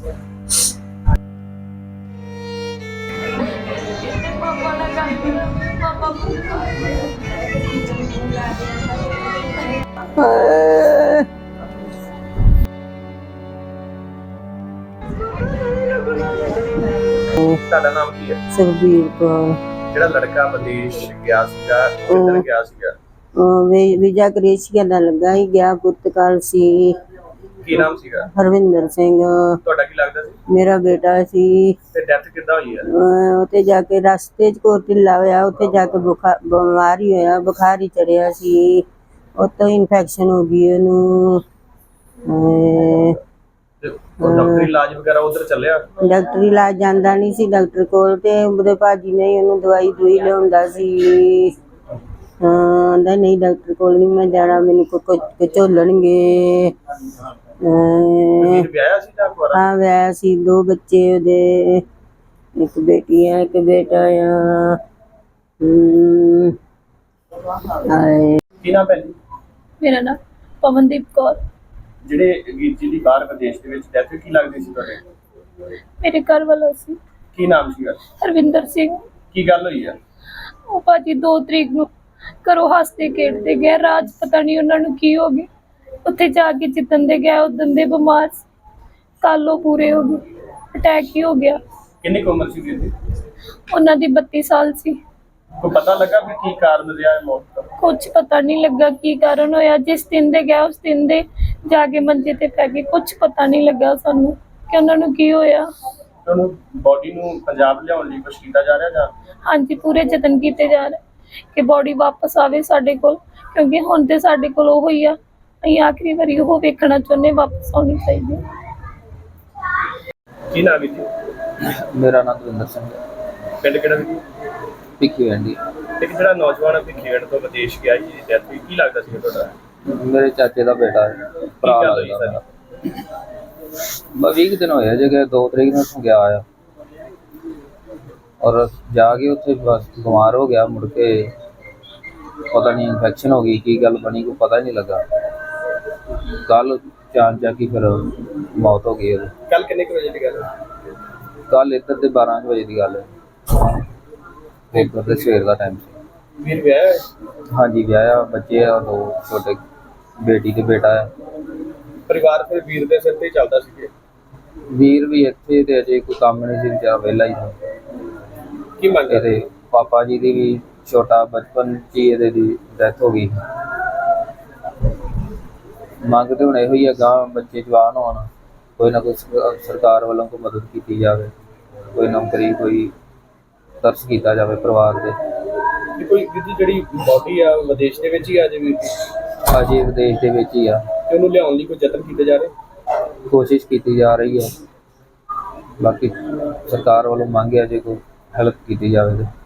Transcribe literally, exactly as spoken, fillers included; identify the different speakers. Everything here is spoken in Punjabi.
Speaker 1: ਤੁਹਾਡਾ ਨਾਮ ਕੀ ਹੈ?
Speaker 2: ਸੁਖਬੀਰ ਕੌਰ।
Speaker 1: ਜਿਹੜਾ ਲੜਕਾ ਵਿਦੇਸ਼ ਗਿਆ ਸੀਗਾ ਕਿੱਧਰ ਗਿਆ ਸੀਗਾ?
Speaker 2: ਵੀਜ਼ਾ ਕ੍ਰੋਏਸ਼ੀਆ ਦਾ ਲੱਗਾ ਹੀ ਗਿਆ, ਪੁਰਤਗਾਲ ਸੀ।
Speaker 1: ਕੀ ਨਾਮ ਸੀਗਾ?
Speaker 2: ਹਰਵਿੰਦਰ ਸਿੰਘ।
Speaker 1: ਤੁਹਾਡਾ ਕੀ ਲੱਗਦਾ ਸੀ?
Speaker 2: ਮੇਰਾ ਬੇਟਾ ਸੀ।
Speaker 1: ਤੇ ਡੈਥ ਕਿੱਦਾਂ ਹੋਈ ਹੈ?
Speaker 2: ਉੱਥੇ ਜਾ ਕੇ ਰਸਤੇ 'ਚ ਕੋਈ ਢਿੱਲਾ ਹੋਇਆ, ਉੱਥੇ ਜਾ ਕੇ ਬੁਖਾਰ ਬਿਮਾਰ ਹੀ ਹੋਇਆ, ਬੁਖਾਰ ਹੀ ਚੜਿਆ ਸੀ, ਉੱਤੋਂ ਇਨਫੈਕਸ਼ਨ ਹੋ ਗਈ ਉਹਨੂੰ।
Speaker 1: ਡਾਕਟਰੀ ਇਲਾਜ ਵਗੈਰਾ ਉਧਰ ਚੱਲਿਆ?
Speaker 2: ਡਾਕਟਰੀ ਇਲਾਜ ਜਾਂਦਾ ਨਹੀਂ ਸੀ ਡਾਕਟਰ ਕੋਲ, ਤੇ ਉਹਦੇ ਭਾਜੀ ਨੇ ਉਹਨੂੰ ਦਵਾਈ ਦੂਈ ਲਿਆਉਂਦਾ ਸੀ। ਹਾਂ, ਆਂਦਾ ਨਹੀਂ ਡਾਕਟਰ ਕੋਲ ਨਹੀਂ ਮੈਂ ਜਾਣਾ, ਮੈਨੂੰ ਕੋਈ ਝੋਲਣਗੇ।
Speaker 1: ਵਿਆਹਿਆ ਸੀ ਜਾਂ ਕੁਆਰਾ?
Speaker 2: ਹਾਂ ਵਿਆਹਿਆ ਸੀ, ਦੋ ਬੱਚੇ ਉਹਦੇ, ਇੱਕ ਬੇਟੀ ਆ ਇੱਕ ਬੇਟਾ ਆ। ਹਮ
Speaker 1: ਕੀ ਨਾਮ ਹੈ ਜੀ?
Speaker 3: ਮੇਰਾ ਨਾਮ ਪਵਨਦੀਪ ਕੌਰ।
Speaker 1: ਜਿਹੜੇ ਵੀਰ ਜੀ ਦੀ ਬਾਹਰ ਵਿਦੇਸ਼ ਦੇ ਵਿੱਚ ਡੈਥ ਕੀ ਲੱਗਦੀ ਸੀ ਤੁਹਾਡੇ?
Speaker 3: ਮੇਰੇ ਘਰ ਵਾਲਾ ਸੀ।
Speaker 1: ਕੀ ਨਾਮ ਸੀਗਾ?
Speaker 3: ਹਰਵਿੰਦਰ ਸਿੰਘ।
Speaker 1: ਕੀ ਗੱਲ ਹੋਈ ਆ?
Speaker 3: ਉਹ ਭਾਜੀ ਦੋ ਤਰੀਕ ਨੂੰ ਘਰੋਂ ਹੱਸਦੇ ਖੇਡਦੇ ਗਏ, ਰਾਜ ਪਤਾ ਨਹੀਂ ਉਹਨਾਂ ਨੂੰ ਕੀ ਹੋ ਗਿਆ, ਉੱਥੇ ਜਾ ਕੇ ਜਿੱਦਣ ਦੇ ਗਿਆ ਉਦੋਂ ਦੇ ਬਿਮਾਰ, ਕੱਲ ਉਹ ਪੂਰੇ ਹੋ ਗਏ, ਅਟੈਕ ਹੀ ਹੋ ਗਿਆ।
Speaker 1: ਕਿੰਨੀ ਕੁ ਉਮਰ ਸੀ ਵੀਰ ਦੀ?
Speaker 3: ਉਹਨਾਂ ਦੀ ਬੱਤੀ ਸਾਲ ਸੀ।
Speaker 1: ਕੋਈ ਪਤਾ ਲੱਗਾ ਵੀ ਕੀ ਕਾਰਨ ਰਿਹਾ ਹੈ ਮੌਤ ਦਾ?
Speaker 3: ਕੁਛ ਪਤਾ ਨਹੀਂ ਲੱਗਾ ਕੀ ਕਾਰਨ ਹੋਇਆ, ਜਿਸ ਦਿਨ ਦੇ ਗਿਆ ਉਸ ਦਿਨ ਦੇ ਜਾ ਕੇ ਮੰਜੇ ਤੇ ਪੈ ਗਏ, ਕੁਛ ਪਤਾ ਨਹੀਂ ਲੱਗਾ ਸਾਨੂੰ ਕਿ ਉਹਨਾਂ ਨੂੰ ਕੀ ਹੋਇਆ।
Speaker 1: ਉਹਨੂੰ ਬੋਡੀ ਨੂੰ ਪੰਜਾਬ ਲਿਆਉਣ ਲਈ ਕੁਛ ਕੀਤਾ ਜਾ ਰਿਹਾ ਜਾਂ?
Speaker 3: ਹਾਂਜੀ, ਪੂਰੇ ਯਤਨ ਕੀਤੇ ਜਾ ਰਹੇ ਕਿ ਬੋਡੀ ਵਾਪਸ ਆਵੇ ਸਾਡੇ ਕੋਲ, ਕਿਉਂਕਿ ਹੁਣ ਤੇ ਸਾਡੇ ਕੋਲ ਉਹ ਹੀ ਆ, ਅਸੀਂ ਆਖਰੀ ਵਾਰੀ ਉਹ ਵੇਖਣਾ ਚਾਹੁੰਦੇ, ਵਾਪਸ ਆਉਣੀ ਚਾਹੀਦੀ।
Speaker 1: ਕੀ ਨਾਮ ਹੈ ਜੀ?
Speaker 4: ਮੇਰਾ ਨਾਮ ਦਵਿੰਦਰ ਸਿੰਘ ਹੈ।
Speaker 1: ਪਿੰਡ ਕਿਹੜਾ ਜੀ?
Speaker 4: ਭਿੱਖੀ ਵੰਡੀ।
Speaker 1: ਇੱਕ ਜਿਹੜਾ ਨੌਜਵਾਨ ਭਿੱਖੀਵਿੰਡ ਤੋਂ ਵਿਦੇਸ਼ ਗਿਆ ਜੀ, ਡੈਥ ਹੋਈ, ਕੀ ਲੱਗਦਾ ਸੀ ਤੁਹਾਡਾ?
Speaker 4: ਮੇਰੇ ਚਾਚੇ ਦਾ ਬੇਟਾ ਹੈ, ਭਰਾ ਲੱਗਦਾ ਮੇਰਾ। ਬਸ ਵੀਹ ਦਿਨ ਹੋਏ ਜੇ ਕਿ ਦੋ ਤਰੀਕ ਨੂੰ ਗਿਆ ਆ, ਔਰ ਜਾ ਕੇ ਉੱਥੇ ਬਸ ਬਿਮਾਰ ਹੋ ਗਿਆ, ਮੁੜ ਕੇ ਪਤਾ ਨਹੀਂ ਇਨਫੈਕਸ਼ਨ ਹੋ ਗਈ, ਕੀ ਗੱਲ ਬਣੀ ਕੋਈ ਪਤਾ ਨਹੀਂ ਲੱਗਾ। ਕੱਲ ਚਾਰ ਜਾ ਕੇ ਫਿਰ ਮੌਤ ਹੋ ਗਈ ਉਹਦੀ।
Speaker 1: ਕੱਲ ਕਿੰਨੇ ਕੁ ਵਜੇ ਦੀ ਗੱਲ ਹੈ?
Speaker 4: ਕੱਲ ਇੱਧਰ ਦੇ ਬਾਰਾਂ ਵਜੇ ਦੀ ਗੱਲ ਹੈ, ਇੱਧਰ ਦੇ ਸਵੇਰ ਦਾ ਟਾਈਮ ਸੀ।
Speaker 1: ਵੀਰ ਵਿਆਹਿਆ?
Speaker 4: ਹਾਂਜੀ ਵਿਆਹਿਆ, ਬੱਚੇ ਆ ਦੋ ਛੋਟੇ, ਬੇਟੀ ਤੇ ਬੇਟਾ ਹੈ।
Speaker 1: ਪਰਿਵਾਰ ਫਿਰ ਵੀਰ ਦੇ ਸਿਰ ਤੇ ਹੀ ਚੱਲਦਾ ਸੀ?
Speaker 4: ਵੀਰ ਵੀ ਇੱਥੇ ਤੇ ਅਜੇ ਕੋਈ ਕੰਮ ਨਹੀਂ ਸੀ, ਵਿਚਾਰਾ ਵਿਹਲਾ ਹੀ ਸੀ।
Speaker 1: ਕੀ ਮੰਗ
Speaker 4: ਇਹਦੇ ਪਾਪਾ ਜੀ ਦੀ ਵੀ ਛੋਟਾ ਬਚਪਨ 'ਚ ਹੀ ਇਹਦੇ ਦੀ ਡੈਥ ਹੋ ਗਈ। ਮੰਗ ਤੇ ਹੁਣ ਇਹੋ ਹੀ ਹੈ, ਗਾਂ ਬੱਚੇ ਜਵਾਨ ਹੋਣ, ਕੋਈ ਨਾ ਕੋਈ ਸਰਕਾਰ ਵੱਲੋਂ ਕੋਈ ਮਦਦ ਕੀਤੀ ਜਾਵੇ, ਕੋਈ ਨੌਕਰੀ, ਕੋਈ ਤਰਸ ਕੀਤਾ ਜਾਵੇ ਪਰਿਵਾਰ ਦੇ।
Speaker 1: ਕੋਈ ਜਿਹੜੀ ਬੋਡੀ ਆ ਵਿਦੇਸ਼ ਦੇ ਵਿੱਚ ਹੀ ਆ ਜੇ ਵੀਰ ਦੀ?
Speaker 4: ਅਜੇ ਵਿਦੇਸ਼ ਦੇ ਵਿੱਚ ਹੀ ਆ,
Speaker 1: ਤੇ ਉਹਨੂੰ ਲਿਆਉਣ ਲਈ ਕੋਈ ਯਤਨ ਕੀਤੇ ਜਾ ਰਹੇ?
Speaker 4: ਕੋਸ਼ਿਸ਼ ਕੀਤੀ ਜਾ ਰਹੀ ਹੈ, ਬਾਕੀ ਸਰਕਾਰ ਵੱਲੋਂ ਮੰਗ ਹੈ ਜੇ ਕੋਈ ਹੈਲਪ ਕੀਤੀ ਜਾਵੇ ਤੇ।